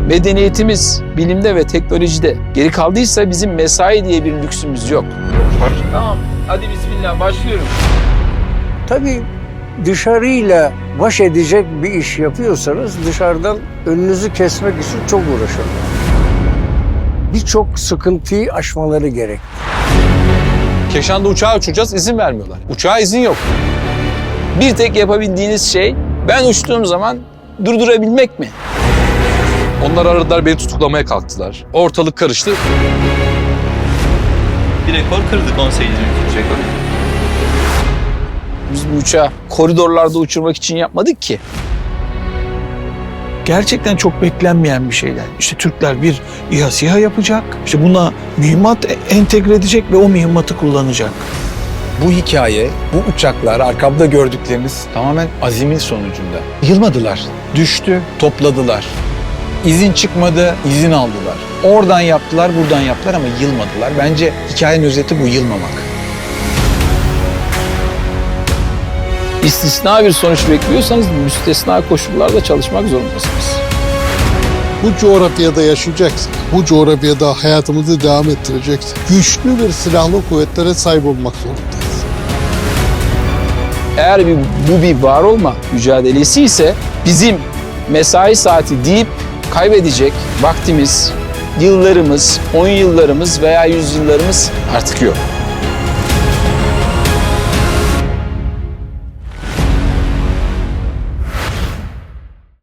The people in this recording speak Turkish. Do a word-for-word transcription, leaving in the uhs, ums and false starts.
medeniyetimiz bilimde ve teknolojide geri kaldıysa bizim mesai diye bir lüksümüz yok. Tamam, hadi bismillah başlıyorum. Tabii dışarıyla baş edecek bir iş yapıyorsanız dışarıdan önünüzü kesmek için çok uğraşırlar. Birçok sıkıntıyı aşmaları gerek. Keşan'da uçağa uçacağız, izin vermiyorlar. Uçağa izin yok. Bir tek yapabildiğiniz şey ben uçtuğum zaman durdurabilmek mi? Onlar aradılar, beni tutuklamaya kalktılar. Ortalık karıştı. Bir rekor kırdık on sekiz bin rekor. Biz bu uçağı koridorlarda uçurmak için yapmadık ki. Gerçekten çok beklenmeyen bir şeyler. İşte Türkler bir İHA SİHA yapacak. İşte buna mühimmat entegre edecek ve o mühimmatı kullanacak. Bu hikaye, bu uçaklar, arkamda gördükleriniz tamamen azimin sonucunda. Yılmadılar, düştü, topladılar. İzin çıkmadı, izin aldılar. Oradan yaptılar, buradan yaptılar ama yılmadılar. Bence hikayenin özeti bu, yılmamak. İstisna bir sonuç bekliyorsanız müstesna koşullarda çalışmak zorundasınız. Bu coğrafyada yaşayacaksın. Bu coğrafyada hayatımızı devam ettireceksin. Güçlü bir silahlı kuvvetlere sahip olmak zorundayız. Eğer bir, bu bir var olma mücadelesi ise bizim mesai saati deyip kaybedecek vaktimiz, yıllarımız, on yıllarımız veya yüzyıllarımız artık yok.